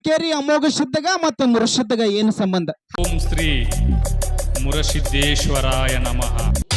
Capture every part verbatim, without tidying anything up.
ಕೇರಿ ಅಮೋಘ ಶುದ್ಧಗ ಮತ್ತು ಮುರುಶುದ್ಧಗ ಏನು ಸಂಬಂಧ? ಓಂ ಶ್ರೀ ಮುರಸಿದ್ದೇಶ್ವರಾಯ ನಮಃ.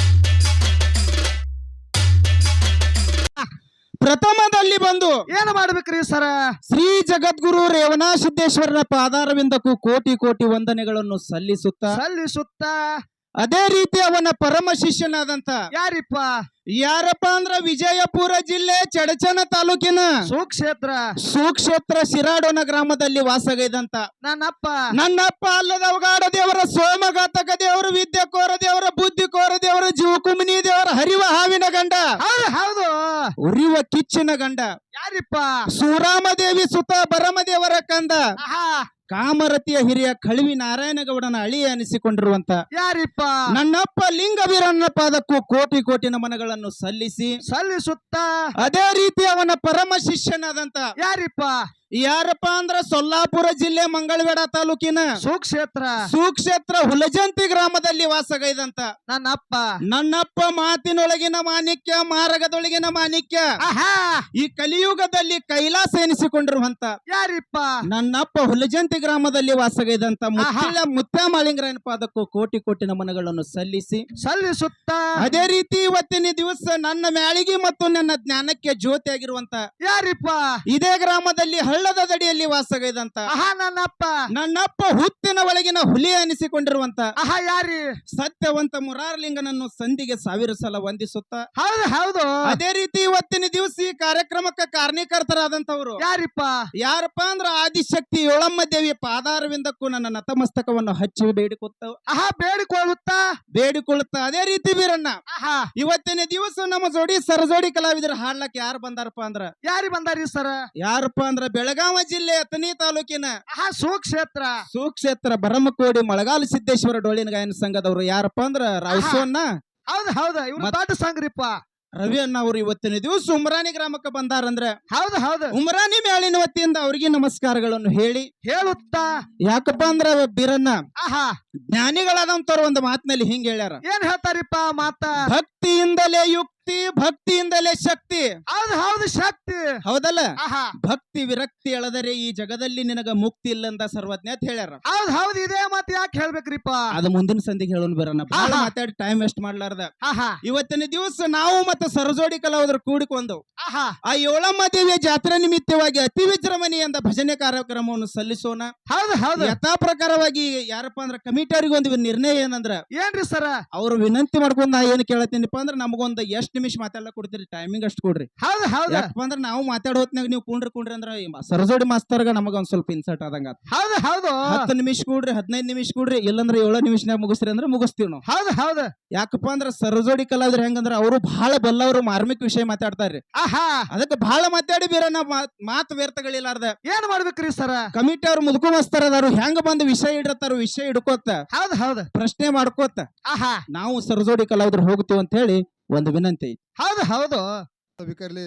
ಪ್ರಥಮದಲ್ಲಿ ಬಂದು ಏನ್ ಮಾಡ್ಬೇಕ್ರಿ ಸರ? ಶ್ರೀ ಜಗದ್ಗುರು ರೇವಣ ಸಿದ್ದೇಶ್ವರನ ಪಾದಾರವಿಂದಕ್ಕೂ ಕೋಟಿ ಕೋಟಿ ವಂದನೆಗಳನ್ನು ಸಲ್ಲಿಸುತ್ತಾ ಸಲ್ಲಿಸುತ್ತ ಅದೇ ರೀತಿ ಅವನ ಪರಮ ಶಿಷ್ಯನಾದಂತ ಯಾರಿಪ್ಪ? ಯಾರಪ್ಪ ಅಂದ್ರ ವಿಜಯಪುರ ಜಿಲ್ಲೆ ಚಡಚನ ತಾಲೂಕಿನ ಸುಕ್ಷೇತ್ರ ಸುಕ್ಷೇತ್ರ ಶಿರಾಡೋನ ಗ್ರಾಮದಲ್ಲಿ ವಾಸಗೈದಂತ ನನ್ನಪ್ಪ ನನ್ನಪ್ಪ ಅಲ್ಲದವಗಾಡ ದೇವರ ಸೋಮಘಾತಕ ದೇವರು ವಿದ್ಯೆ ಕೋರ ದೇವರ ಬುದ್ಧಿ ಕೋರ ದೇವರ ಜೀವಕುಮಿನಿ ದೇವರ ಹರಿವ ಹಾವಿನ ಗಂಡ, ಹೌದು ಹೌದು. ಉರಿವ ಕಿಚ್ಚಿನ ಗಂಡ ಯಾರಿಪ್ಪ? ಸುರಾಮದೇವಿ ಸುತ ಬರಮದೇವರ ಕಂದ ಆಹಾ ಕಾಮರತಿಯ ಹಿರಿಯ ಕಳವಿ ನಾರಾಯಣಗೌಡನ ಅಳಿಯ ಅನಿಸಿಕೊಂಡಿರುವಂತ ಯಾರಿಪ್ಪ? ನನ್ನಪ್ಪ ಲಿಂಗವೀರನ ಪಾದಕ್ಕೂ ಕೋಟಿ ಕೋಟಿ ನಮನಗಳನ್ನು ಸಲ್ಲಿಸಿ ಸಲ್ಲಿಸುತ್ತ ಅದೇ ರೀತಿ ಅವನ ಪರಮ ಶಿಷ್ಯನಾದಂತ ಯಾರಿಪ್ಪ? ಯಾರಪ್ಪ ಅಂದ್ರ ಸೊಲ್ಲಾಪುರ ಜಿಲ್ಲೆ ಮಂಗಳವೇಡ ತಾಲೂಕಿನ ಸುಕ್ಷೇತ್ರ ಸುಕ್ಷೇತ್ರ ಹುಲಜಂತಿ ಗ್ರಾಮದಲ್ಲಿ ವಾಸಗೈದಂತ ನನ್ನಪ್ಪ ನನ್ನಪ್ಪ ಮಾತಿನೊಳಗಿನ ಮಾಣಿಕ್ಯ ಮಾರಗದೊಳಗಿನ ಮಾಣಿಕ್ಯ ಆಹಾ ಈ ಕಲಿಯುಗದಲ್ಲಿ ಕೈಲಾಸ ಎನಿಸಿಕೊಂಡಿರುವಂತ ಯಾರಿಪ್ಪ? ನನ್ನಪ್ಪ ಹುಲಜಂತಿ ಗ್ರಾಮದಲ್ಲಿ ವಾಸಗೈದಂತ ಮುತ್ತಿಳ ಮುತ್ಯಾಮಾಳಿಂಗರಾಯನ ಪಾದಕ್ಕೂ ಕೋಟಿ ಕೋಟಿ ನಮನಗಳನ್ನು ಸಲ್ಲಿಸಿ ಸಲ್ಲಿಸುತ್ತ ಅದೇ ರೀತಿ ಇವತ್ತಿನ ದಿವಸ ನನ್ನ ಮ್ಯಾಳಿಗೆ ಮತ್ತು ನನ್ನ ಜ್ಞಾನಕ್ಕೆ ಜ್ಯೋತಿ ಆಗಿರುವಂತ ಯಾರಿಪ್ಪ? ಇದೇ ಗ್ರಾಮದಲ್ಲಿ ಹಳ್ಳದ ದಡಿಯಲ್ಲಿ ವಾಸಗೈದಂತ ಆಹಾ ನನ್ನಪ್ಪ ನನ್ನಪ್ಪ ಹುತ್ತಿನ ಒಳಗಿನ ಹುಲಿ ಅನಿಸಿಕೊಂಡಿರುವಂತ ಆಹಾ ಯಾರಿ? ಸತ್ಯವಂತ ಮುರಾರಲಿಂಗನನ್ನು ಸಂಧಿಗೆ ಸಾವಿರ ಸಲ ವಂದಿಸುತ್ತ ಹೌದು ಹೌದು. ಅದೇ ರೀತಿ ಇವತ್ತಿನ ದಿವಸ ಈ ಕಾರ್ಯಕ್ರಮಕ್ಕೆ ಕಾರಣೀಕರ್ತರಾದಂತವ್ರು ಯಾರಿಪ್ಪ? ಯಾರಪ್ಪ ಅಂದ್ರ ಆದಿಶಕ್ತಿ ಏಳಮ್ಮ ದೇವಿ ಪಾದಾರವಿಂದಕ್ಕೂ ನನ್ನ ನತಮಸ್ತಕವನ್ನು ಹಚ್ಚಿ ಬೇಡಿಕೊತ್ತ ಆಹಾ ಬೇಡಿಕೊಳ್ಳುತ್ತ ಬೇಡಿಕೊಳ್ಳುತ್ತ ಅದೇ ರೀತಿ ಬೀರಣ್ಣ ಆಹಾ ಇವತ್ತಿನ ದಿವಸ ನಮ್ಮ ಜೋಡಿ ಸರಜೋಡಿ ಕಲಾವಿದರು ಹಾಡ್ಲಕ್ ಯಾರು ಬಂದಾರಪ್ಪ ಅಂದ್ರ ಯಾರಿ ಬಂದಾರಿ ಸರ? ಯಾರಪ್ಪ ಅಂದ್ರ ಬೆಳಗಾವಿ ಜಿಲ್ಲೆ ಅಥಣಿ ತಾಲೂಕಿನ ಆಹಾ ಸುಕ್ಷೇತ್ರ ಸುಕ್ಷೇತ್ರ ಬರಮಕೋಡಿ ಮಳಗಾಲ ಸಿದ್ದೇಶ್ವರ ಡೊಳ್ಳಿನ ಗಾಯನ ಸಂಘದವರು ಯಾರಪ್ಪ ಅಂದ್ರ ರಾವಸೋನ್ನ ಹೌದು ಹೌದು. ಇವ್ರು ದೊಡ್ಡ ಸಂಗ್ರಿಪ್ಪ ರವಿ ಅಣ್ಣ ಅವರು ಇವತ್ತಿನ ದಿವಸ ಉಮ್ರಾನಿ ಗ್ರಾಮಕ್ಕೆ ಬಂದಾರಂದ್ರೆ ಹೌದು ಹೌದು. ಉಮ್ರಾನಿ ಮೇಳಿನ ವತಿಯಿಂದ ಅವರಿಗೆ ನಮಸ್ಕಾರಗಳನ್ನು ಹೇಳಿ ಹೇಳುತ್ತಾ ಯಾಕಪ್ಪ ಅಂದ್ರ ಬೀರಣ್ಣ ಆಹಾ ಜ್ಞಾನಿಗಳಾದಂತವ್ರು ಒಂದು ಮಾತಿನಲ್ಲಿ ಹಿಂಗ್ ಹೇಳ್ಯಾರ, ಏನ್ ಹೇಳ್ತಾರಿಪ್ಪ ಮಾತ? ಭಕ್ತಿಯಿಂದಲೇ ಯುಕ್ತಿ ಭಕ್ತಿಯಿಂದಲೇ ಶಕ್ತಿ. ಹೌದು ಹೌದು ಶಕ್ತಿ. ಹೌದಲ್ಲ? ಆಹಾ ಭಕ್ತಿ ವಿರಕ್ತಿ ಎಳೆದರೆ ಈ ಜಗದಲ್ಲಿ ನಿನಗ ಮುಕ್ತಿ ಇಲ್ಲಂದ ಸರ್ವಜ್ಞ ಅಂತ ಹೇಳ್ಯಾರ. ಹೌದು ಹೌದು. ಇದೇ ಮಾತು ಯಾಕೆ ಹೇಳ್ಬೇಕ್ರಿಪ್ಪ? ಅದು ಮುಂದಿನ ಸಂಧಿಗೆ ಹೇಳೋಣ ಬರೋಣ, ಬಹಳ ಆಹಾ. ಮಾತಾಡಿ ಟೈಮ್ ವೇಸ್ಟ್ ಮಾಡ್ಲಾರ್ದ ಆಹಾ ಇವತ್ತಿನ ದಿವಸ ನಾವು ಮತ್ತೆ ಸರಜೋಡಿ ಕಲಾವಿದರು ಕೂಡಿಕೊಂಡು ಆಹಾ ಆ ಏಳಮ್ಮ ದೇವಿಯ ಜಾತ್ರೆ ನಿಮಿತ್ತವಾಗಿ ಅತಿ ವಿಜೃಂಭಣೆಯಿಂದ ಭಜನೆ ಕಾರ್ಯಕ್ರಮವನ್ನು ಸಲ್ಲಿಸೋಣ. ಹೌದು ಹೌದು. ಯಥಾ ಪ್ರಕಾರವಾಗಿ ಯಾರಪ್ಪ ಅಂದ್ರ ಕಮಿಟಿಯವ್ರಿಗೆ ಒಂದು ನಿರ್ಣಯ ಏನಂದ್ರ ಏನ್ರಿ ಸರ? ಅವ್ರು ವಿನಂತಿ ಮಾಡ್ಕೊಂಡ್ ನಾ ಏನ್ ಕೇಳತ್ತೀನಿಪ್ಪ ಅಂದ್ರ ನಮಗೊಂದ್ ಎಷ್ಟ್ ನಿಮಿಷ ಮಾತಾಡ್ಲಕ್ ಕೊಡ್ತೀರಿ, ಟೈಮಿಂಗ್ ಅಷ್ಟು ಕೊಡ್ರಿ. ಹೌದು ಹೌದು. ಯಾಕಪ್ಪ ಅಂದ್ರ ನಾವು ಮಾತಾಡೋ ಹೊತ್ನಾಗ ನೀವು ಕುಂಡ್ರಿ ಕುಂಡ್ರಿ ಅಂದ್ರ ಈ ಸರಜೋಡಿ ಮಾಸ್ತರ್ಗ ನಮಗ ಒಂದ್ ಸ್ವಲ್ಪ ಇನ್ಸರ್ಟ್ ಆದಂಗ ಆತ್. ಹೌದು ಹೌದು. ಹತ್ತು ನಿಮಿಷ ಕೂಡ್ರಿ, ಹದಿನೈದು ನಿಮಿಷ ಕೂಡ್ರಿ, ಇಲ್ಲಂದ್ರ ಏಳು ನಿಮಿಷನಾಗ ಮುಗಿಸ್ರಿ ಅಂದ್ರೆ ಮುಗಿಸ್ತೀವಿ ನಾವು. ಹೌದು ಹೌದು. ಯಾಕಪ್ಪ ಅಂದ್ರ ಸರಜೋಡಿ ಕಲಾವಿದ್ರ ಹೆಂಗಂದ್ರ ಅವರು ಬಹಳ ಬಲ್ಲವರು ಮಾರ್ಮಿಕ ವಿಷಯ ಮಾತಾಡ್ತಾರ್ರಿ. ಆಹಾ ಅದಕ್ಕೆ ಬಹಳ ಮಾತಾಡಿ ಬೀರಣ್ಣ ಮಾತು ವ್ಯರ್ಥಗಳಿಲ್ಲಾರ್ದ ಏನ್ ಮಾಡ್ಬೇಕ್ರಿ ಸರ? ಕಮಿಟಿ ಅವ್ರು ಮುದುಕುಮಸ್ತಾರ ಅದಾರು ಹೆಂಗ ಬಂದು ವಿಷಯ ಇಡತ್ತಾರ, ವಿಷಯ ಹಿಡ್ಕೋತ ಹೌದು ಹೌದು. ಪ್ರಶ್ನೆ ಮಾಡ್ಕೋತ ಆಹಾ ನಾವು ಸರಜೋಡಿ ಕಲಾವಿದ್ರು ಹೋಗ್ತೀವಿ ಅಂತ ಹೇಳಿ ಒಂದು ವಿನಂತಿ. ಹೌದು ಹೌದು. ಬೇಕಾರ್ಲಿ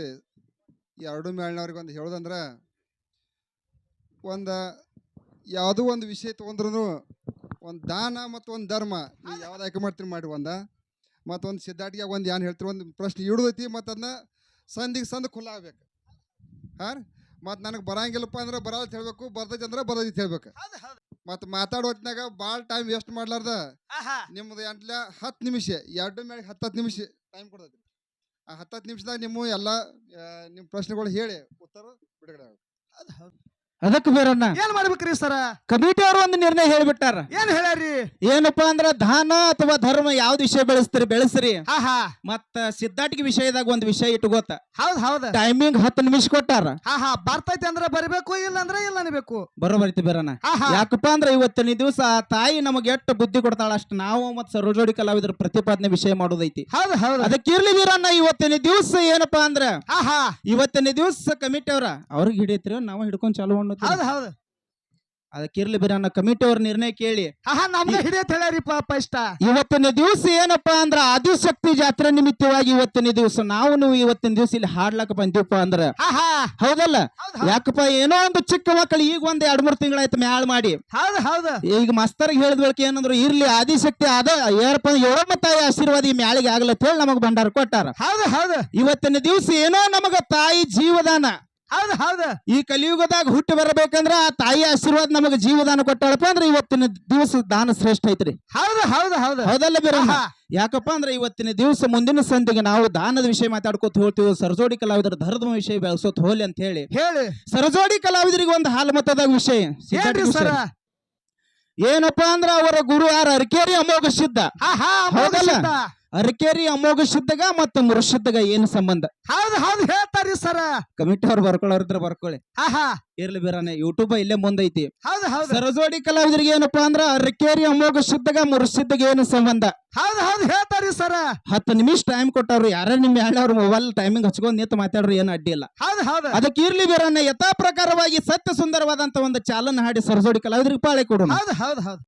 ಎರಡು ಮೇಳ್ನವ್ರಿಗೆ ಒಂದು ಹೇಳೋದಂದ್ರ, ಒಂದು ಯಾವುದೋ ಒಂದು ವಿಷಯ ತೊಗೊಂಡ್ರು ಒಂದು ದಾನ ಮತ್ತು ಒಂದು ಧರ್ಮ ನೀವು ಯಾವ್ದು ಆಯ್ಕೆ ಮಾಡ್ತೀರಿ ಮಾಡಿ, ಒಂದು ಮತ್ತೊಂದು ಸಿದ್ಧಾಟಿಗೆ ಒಂದು ಏನು ಹೇಳ್ತೀರಿ, ಒಂದು ಪ್ರಶ್ನೆ ಇಡೋದೈತಿ ಮತ್ತು ಅದನ್ನ ಸಂದಿಗೆ ಸಂದ ಖುಲ್ಲ ಆಗ್ಬೇಕು. ಹಾಂ ರೀ, ಮತ್ತು ನನಗೆ ಬರಂಗಿಲ್ಲಪ್ಪ ಅಂದ್ರೆ ಬರೋದು ಹೇಳ್ಬೇಕು, ಬರ್ದೈತಿ ಅಂದ್ರೆ ಬರೋದೈತಿ ಹೇಳ್ಬೇಕು. ಮತ್ತು ಮಾತಾಡೋ ಹೊತ್ನಾಗ ಭಾಳ ಟೈಮ್ ವೇಸ್ಟ್ ಮಾಡ್ಲಾರ್ದ ನಿಮ್ಮದು ಎಂಟ್ಲ ಹತ್ತು ನಿಮಿಷ ಎರಡು ಮೇಲೆ ಹತ್ತು ಹತ್ತು ನಿಮಿಷ ಟೈಮ್ ಕೊಡ್ತೈತಿ. ಆ ಹತ್ತು ಹತ್ತು ನಿಮಿಷದಾಗ ನಿಮ್ಮ ಎಲ್ಲ ನಿಮ್ಮ ಪ್ರಶ್ನೆಗಳು ಹೇಳಿ ಉತ್ತರ ಬಿಡುಗಡೆ ಆಗುತ್ತೆ. ಅದಕ್ಕೆ ಬೇರಣ್ಣ ಏನ್ ಮಾಡ್ಬೇಕ್ರಿ ಸರ? ಕಮಿಟಿ ಅವರು ಒಂದು ನಿರ್ಣಯ ಹೇಳ್ಬಿಟ್ಟಾರ. ಏನ್ ಹೇಳ್ಯಾರಿ? ಏನಪ್ಪಾ ಅಂದ್ರ ದಾನ ಅಥವಾ ಧರ್ಮ ಯಾವ್ದು ವಿಷಯ ಬೆಳೆಸ್ತೀರಿ ಬೆಳೆಸ್ರಿ, ಆಹಾ ಮತ್ತ ಸಿದ್ಧಾಟಿಗೆ ವಿಷಯದಾಗ ಒಂದು ವಿಷಯ ಇಟ್ಕೋತ ಹೌದು ಹೌದು. ಟೈಮಿಂಗ್ ಹತ್ತು ನಿಮಿಷ ಕೊಟ್ಟಾರ. ಆಹಾ ಬರ್ತೈತಿ ಅಂದ್ರೆ ಬರಬೇಕು, ಇಲ್ಲ ಅಂದ್ರೆ ಇಲ್ಲ ಅನ್ಬೇಕು. ಬರೋಬರ್ತಿ ಬೇರಣ್ಣ. ಆಹಾ ಯಾಕಪ್ಪ ಅಂದ್ರ ಇವತ್ತಿನ ದಿವಸ ಆ ತಾಯಿ ನಮಗೆ ಎಷ್ಟು ಬುದ್ಧಿ ಕೊಡ್ತಾಳ ಅಷ್ಟು ನಾವು ಮತ್ ಸರೋಜೋಡಿ ಕಲಾವಿದ್ರ ಪ್ರತಿಪಾದನೆ ವಿಷಯ ಮಾಡೋದೈತಿ. ಹೌದು ಹೌದು. ಅದಕ್ಕೆ ಇರ್ಲಿ ವೀರಣ್ಣ, ಇವತ್ತಿನ ದಿವಸ ಏನಪ್ಪಾ ಅಂದ್ರ ಆಹಾ ಇವತ್ತಿನ ದಿವಸ ಕಮಿಟಿ ಅವ್ರ ಅವ್ರಿಗೆ ಹಿಡಿಯತ್ರಿ, ನಾವು ಹಿಡ್ಕೊಂಡ್ ಚಾಲು ಹೌದು ಹೌದು. ಅದಕ್ಕೆ ಇರ್ಲಿ ಬೀರಣ್ಣ, ಕಮಿಟಿ ಅವ್ರ ನಿರ್ಣಯ ಕೇಳಿ ಆಹಾ ನಮ್ಗೆ ಹಿಡಿಯತ್ ಹೇಳ್ಯಾರಿಪ್ಪ ಫಸ್ಟ್. ಇವತ್ತಿನ ದಿವಸ ಏನಪ್ಪಾ ಅಂದ್ರ ಆದಿಶಕ್ತಿ ಜಾತ್ರೆ ನಿಮಿತ್ತವಾಗಿ ಇವತ್ತಿನ ದಿವಸ ನಾವು ನೀವು ಇವತ್ತಿನ ದಿವಸ ಇಲ್ಲಿ ಹಾಡ್ಲಕ್ ಬಂದಿವಪ್ಪ ಅಂದ್ರ ಆಹಾ ಹೌದಲ್ಲ? ಯಾಕಪ್ಪ ಏನೋ ಒಂದು ಚಿಕ್ಕ ಮಕ್ಕಳು ಈಗ ಒಂದ್ ಎರಡ್ ಮೂರ್ ತಿಂಗಳಾಯ್ತು ಮ್ಯಾಳ್ ಮಾಡಿ ಹೌದು ಹೌದು. ಈಗ ಮಾಸ್ತರ್ಗೆ ಹೇಳಿದ ಬಳಕೆ ಏನಂದ್ರು ಇರ್ಲಿ ಆದಿಶಕ್ತಿ ಅದ ಏನಪ್ಪ ಏಳಮ್ಮ ತಾಯಿ ಆಶೀರ್ವಾದ ಈ ಮ್ಯಾಳಿಗೆ ಆಗ್ಲತ್ತ ಹೇಳಿ ನಮಗ್ ಭಂಡಾರ ಕೊಟ್ಟಾರ. ಹೌದು ಹೌದು. ಇವತ್ತಿನ ದಿವಸ ಏನೋ ನಮಗ ತಾಯಿ ಜೀವದಾನ ಹೌದ್ ಹೌದ್ ಈ ಕಲಿಯುಗದಾಗ ಹುಟ್ಟಿ ಬರಬೇಕಂದ್ರ ಆ ತಾಯಿ ಆಶೀರ್ವಾದ ನಮಗೆ ಜೀವದಾನ ಕೊಟ್ಟಾಳಪ್ಪ ಅಂದ್ರೆ ಇವತ್ತಿನ ದಿವಸ ದಾನ ಶ್ರೇಷ್ಠ ಐತ್ರಿ. ಹೌದ್ ಹೌದ್ ಹೌದ್ ಹೌದಲ್ಲ ಬೀರಣ್ಣ? ಆಹಾ. ಯಾಕಪ್ಪ ಅಂದ್ರೆ ಇವತ್ತಿನ ದಿವಸ ಮುಂದಿನ ಸಂಧಿಗೆ ನಾವು ದಾನದ ವಿಷಯ ಮಾತಾಡ್ಕೋತ ಹೋಗ್ತೀವಿ, ಸರಜೋಡಿ ಕಲಾವಿದರ ಧರ್ಮ ವಿಷಯ ಬೆಳೆಸೋತ್ ಹೋಲಿ ಅಂತ ಹೇಳಿ ಹೇಳಿ ಸರಜೋಡಿ ಕಲಾವಿದರಿಗೆ ಒಂದು ಹಾಲು ಮತದಾಗ ವಿಷಯ ಸಿದ್ಧಾಂತ ಏನ್ರಿ ಸರ? ವಿಷಯ. ಏನಪ್ಪಾ ಅಂದ್ರ ಅವರ ಗುರು ಯಾರ ಅರಕೇರಿ ಅಮೋಘ ಸಿದ್ಧ. ಹಾ ಹಾ ಹೌದಲ್ಲ? ಸಿದ್ಧ. ಅರಕೇರಿ ಅಮೋಘ ಸಿದ್ಧಗ ಮತ್ತು ಮುರುಸಿದ್ಧಗ ಏನು ಸಂಬಂಧ? ಹೌದ್ ಹೌದ್ ಹೇಳ್ತಾರಿ ಸರ. ಕಮಿಟಿ ಅವ್ರು ಬರ್ಕೊಳ್ಳೋರಿದ್ರ ಬರ್ಕೊಳ್ಳಿ, ಹಾ ಹಾ ಇರ್ಲಿ ಬೀರಣ್ಣ, ಯೂಟ್ಯೂಬ್ ಇಲ್ಲೇ ಮುಂದೈತಿ. ಹೌದ್ ಹೌದ್ ಸರಜೋಡಿ ಕಲಾವಿದರಿಗೆ ಏನಪ್ಪಾ ಅಂದ್ರ ಅರಕೇರಿ ಅಮೋಘ ಸಿದ್ಧಗ ಮುರುಸಿದ್ಧಗ ಏನು ಸಂಬಂಧ? ಹೌದ್ ಹೌದ್ ಹೇಳ್ತಾರಿ ಸರ. ಹತ್ತು ನಿಮಿಷ ಟೈಮ್ ಕೊಟ್ಟವ್ರು, ಯಾರ ನಿಮ್ ಹೇಳಿ ಅವ್ರ ಮೊಬೈಲ್ ಟೈಮಿಂಗ್ ಹಚ್ಕೊಂಡ್ ನಿಂತು ಮಾತಾಡ್ರು ಏನು ಅಡ್ಡಿ ಇಲ್ಲ. ಹೌದ್ ಹೌದ್ ಅದಕ್ಕೆ ಇರ್ಲಿ ಬೀರಣ್ಣ, ಯಥಾ ಪ್ರಕಾರವಾದ ಸತ್ಯ ಸುಂದರವಾದಂತ ಒಂದು ಚಾಲನ ಹಾಡಿ ಸರಜೋಡಿ ಕಲಾವಿದರಿಗೆ ಪಾಳೆ ಕೊಡೋಣ. ಹೌದ್ ಹೌದ್ ಹೌದ್